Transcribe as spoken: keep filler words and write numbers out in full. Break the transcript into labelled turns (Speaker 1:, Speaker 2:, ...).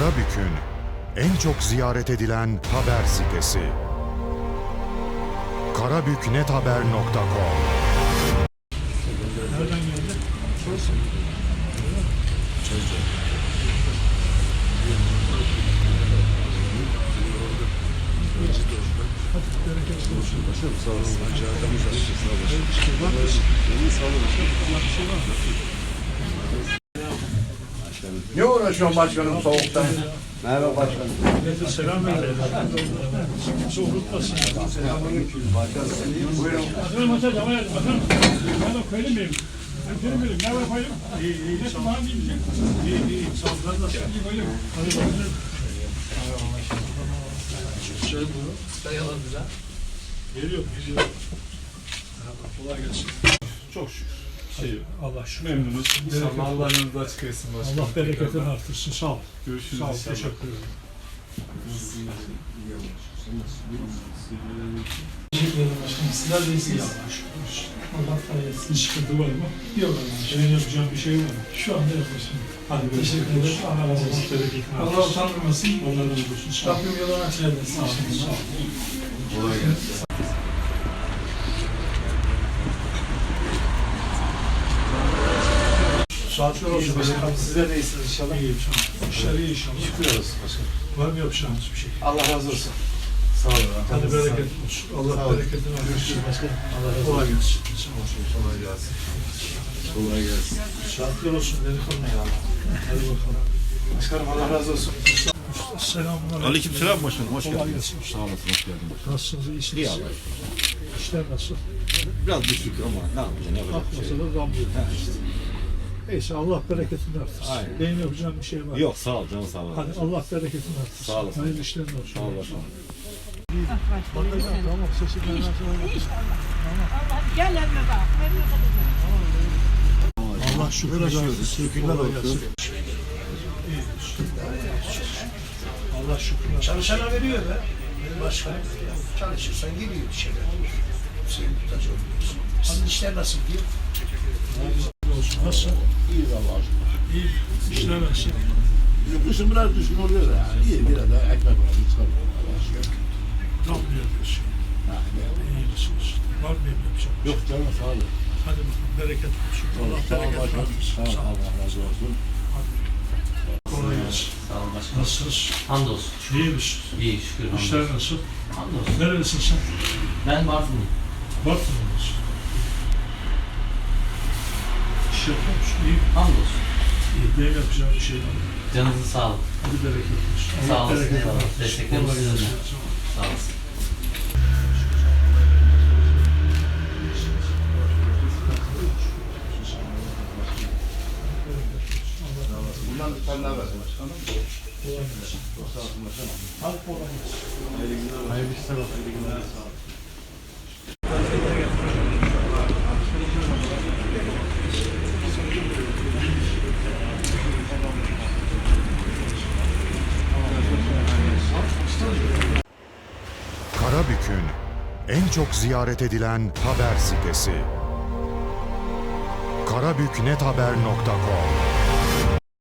Speaker 1: Karabük'ün en çok ziyaret edilen haber sitesi. karabüknethaber nokta com.
Speaker 2: Nereden geldi? Çözüm. Çözüm. Hadi bereket olsun. Başkanım sağ olun. Çağırdığımız için sağ olun. Bir şey var mı? Sağ olun başkanım. Bir şey var mı?
Speaker 3: Ne uğraşıyorsun başkanım soğukta?
Speaker 2: Merhaba başkanım. Millete selam verin. Soğuktasın.
Speaker 3: Selamünaleyküm başkanım. Buyurun.
Speaker 4: Bakalım maça devam edelim. Bakalım. Ben de koyalım benim. Ben koyalım benim. Ne var koyalım? İyi iyi. Ne zaman diyeyim? İyi iyi. Sağ olun. Ben de şimdi koyalım. Hadi bakalım.
Speaker 2: Şey bu. Dayalı bize. Geliyor. Geliyor. Kolay gelsin. Çok şükür. Şey, Allah şükür.
Speaker 4: Memnunuz.
Speaker 2: İnşallah Allah yanınızda açık etsin başkanım.
Speaker 4: Allah bereketini artırsın. Sağ ol.
Speaker 2: Görüşürüz
Speaker 4: Sağ ol.
Speaker 2: inşallah.
Speaker 4: Teşekkür ederim.
Speaker 5: Teşekkür ederim başkanım. Sizler de iyisiniz. Allah sayesinde.
Speaker 4: Bir sıkıntı var mı?
Speaker 5: Yok Allah'ım.
Speaker 4: Senin yapacağın bir şey var mı?
Speaker 5: Şu anda yok başkanım.
Speaker 4: Hadi
Speaker 5: Teşekkür ederim. Allah razı olsun.
Speaker 4: Bereketini
Speaker 5: Allah
Speaker 4: artırsın.
Speaker 5: utandırmasın.
Speaker 4: Allah razı olsun. Sağ ol.
Speaker 5: Rabbim yolunu açık eylesin.
Speaker 4: Sağ ol. Sağ ol.
Speaker 3: Kolay gelsin.
Speaker 5: Saatler olsun başkanım. Sizler de iyisiniz inşallah.
Speaker 4: İyiyim sağ ol. İşler iyi inşallah.
Speaker 5: Şükür olsun başkanım.
Speaker 4: Var mı yapacağınız bir şey?
Speaker 5: Allah razı olsun. Sağ olun.
Speaker 4: Hadi bereket olsun. Allah bereketini artırsın.
Speaker 5: Görüşürüz başkanım. Allah razı olsun.
Speaker 4: Kolay gelsin. Sağ ol.
Speaker 3: Kolay gelsin. Kolay gelsin.
Speaker 4: Saatler olsun. Delikanlı ya. Hadi bakalım.
Speaker 5: Başkanım Allah razı olsun.
Speaker 4: Selamünaleyküm.
Speaker 6: Aleykümselam başkanım, hoş
Speaker 4: Kolay
Speaker 6: geldiniz.
Speaker 4: gelsin.
Speaker 6: Sağ olasın, hoş geldiniz.
Speaker 4: Nasılsınız? İyisiniz?
Speaker 6: İyi Allah'a şükür.
Speaker 4: İşler nasıl?
Speaker 6: Biraz düşük ama ne yapacaksın, ne yapacak bir şey
Speaker 4: Akmasa
Speaker 6: yok.
Speaker 4: da damlıyor.
Speaker 6: Ha, işte.
Speaker 4: Neyse Allah bereketini artırsın.
Speaker 6: Aynen.
Speaker 4: Benim yapacağım bir şey var.
Speaker 6: Yok, sağ ol canım, sağ ol.
Speaker 4: Hadi Allah bereketini artırsın.
Speaker 6: Sağ olasın.
Speaker 4: Hayırlı işlerin olsun.
Speaker 6: Sağ ol başkanım.
Speaker 4: Bakacağım tamam sesi ben nasıl
Speaker 7: Gel evime bak. Evime bakacağım.
Speaker 4: Allah şükür yaşıyoruz. Şükürler olsun. Allah şükür.
Speaker 5: Çalışana veriyor be. Başkanım. Çalışırsan geliyor bir şeyler. Senin muhtaç olmuyorsun. Sizin işler nasıl gidiyor?
Speaker 4: Olsun. Nasıl?
Speaker 6: İyi Allah'a şükür.
Speaker 4: İyi. İşler nasıl?
Speaker 6: Kışın biraz düşkün oluyor da yani. İyi, biraz da ekmek var, çıkarıyor Allah'a şükür.
Speaker 4: Damlıyor diyorsun. İyi misiniz? Var mı benim yapacağım?
Speaker 6: Yok canım, sağ ol.
Speaker 4: Hadi bakalım bereket olsun. Allah
Speaker 6: Sağ ol
Speaker 4: bereketini
Speaker 6: başkanım,
Speaker 4: artırsın.
Speaker 6: sağ ol,
Speaker 4: Sağ ol.
Speaker 6: Allah razı olsun.
Speaker 4: Kolay gelsin.
Speaker 8: Sağ olun başkanım.
Speaker 4: Nasılsınız?
Speaker 8: Hamdolsun.
Speaker 4: İyi misiniz?
Speaker 8: İyi şükür hamdolsun.
Speaker 4: İşler nasıl?
Speaker 8: Hamdolsun.
Speaker 4: Nerelisin sen?
Speaker 8: Ben Bartın'ım.
Speaker 4: Bartın'da mısın? İş yapıyor musun? İyi.
Speaker 8: Hamdolsun.
Speaker 4: İyi. Benim yapacağım bir şey var.
Speaker 8: Canınızın sağlık.
Speaker 4: Hadi bereket olsun.
Speaker 8: Sağ
Speaker 4: Allah
Speaker 8: olasın,
Speaker 4: bereketini
Speaker 8: eyvallah.
Speaker 4: artırsın.
Speaker 8: Desteklerimiz
Speaker 4: Kolay
Speaker 8: sizinle.
Speaker 4: gelsin.
Speaker 8: Sağ olasın.
Speaker 3: Bundan sen ne haber başkanım?
Speaker 4: Hadi kolay gelsin.
Speaker 3: Hayırlı işler olsun. Hayırlı günler. Sağ olun.
Speaker 1: Karabük'ün en çok ziyaret edilen haber sitesi. karabüknethaber nokta com.